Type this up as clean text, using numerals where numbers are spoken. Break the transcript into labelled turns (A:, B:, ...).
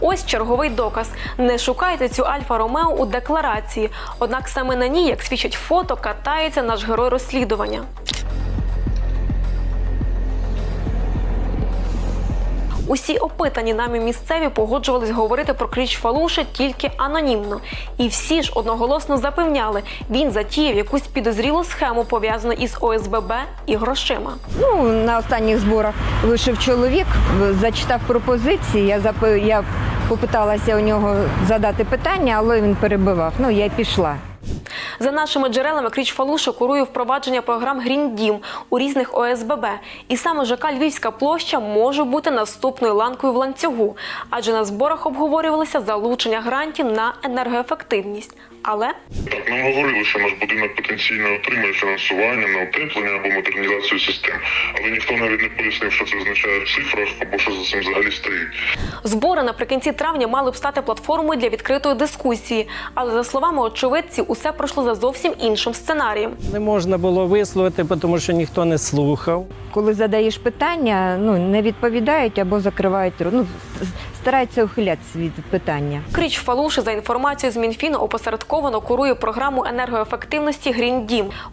A: Ось черговий доказ. Не шукайте цю Альфа-Ромео у декларації. Однак саме на ній, як свідчить фото, катається наш герой розслідування. Усі опитані нами місцеві погоджувались говорити про кліч Фалуши тільки анонімно. І всі ж одноголосно запевняли, він затіяв якусь підозрілу схему, пов'язану із ОСББ і грошима.
B: На останніх зборах вийшов чоловік, зачитав пропозиції, я попиталася у нього задати питання, але він перебивав. Я й пішла.
A: За нашими джерелами, кліч Фалуши курує впровадження програм «Грін Дім» у різних ОСББ. І саме ЖК «Львівська площа» може бути наступною ланкою в ланцюгу. Адже на зборах обговорювалося залучення грантів на енергоефективність. Але
C: так, нам говорили, що наш будинок потенційно отримає фінансування на утеплення або модернізацію систем. Але ніхто навіть не пояснив, що це означає в цифрах або що за цим взагалі стоїть.
A: збори наприкінці травня мали б стати платформою для відкритої дискусії. Але, за словами очевидців, усе пройшло за зовсім іншим сценарієм.
D: Не можна було висловити, тому що ніхто не слухав.
B: Коли задаєш питання, не відповідають або закривають рот. Стараються ухилятися від питання.
A: Кліч Фалуши, за інформацією з Мінфіну, опосередковано курує програму енергоефективності «Грін Дім».